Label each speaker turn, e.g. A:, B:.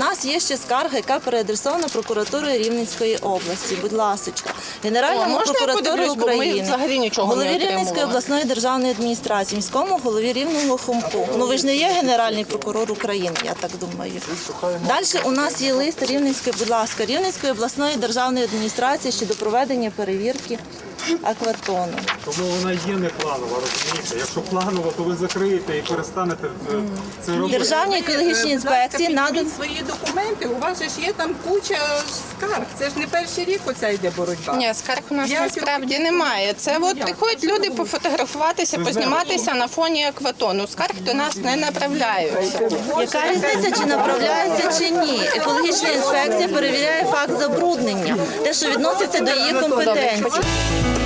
A: нас є ще скарга, яка переадресована прокуратурою Рівненської області. Будь ласка, Генеральному прокуратурі України, голові Рівненської обласної державної адміністрації, міському голові Рівного ХУМПу. Ну ви ж не є Генеральний прокурор України, я так думаю. Далі у нас є лист Рівненської, будь ласка, Рівненської обласної державної адміністрації щодо проведення перевірки акватону.
B: Тому вона є не планова, розумієте? Якщо планово, то ви закриєте і перестанете це робити.
A: Державній екологічній інспекції надані
C: свої документи, у вас же ж є там куча скарг. Це ж не перший рік оця йде боротьба.
D: Ні, скарг у нас насправді немає. Це от приходять люди пофотографуватися, позніматися на фоні акватону. Скарг до нас не направляються.
A: Яка різниця, чи направляється, чи ні? Екологічна інспекція перевіряє факт забруднення, те, що відноситься до її компетенції.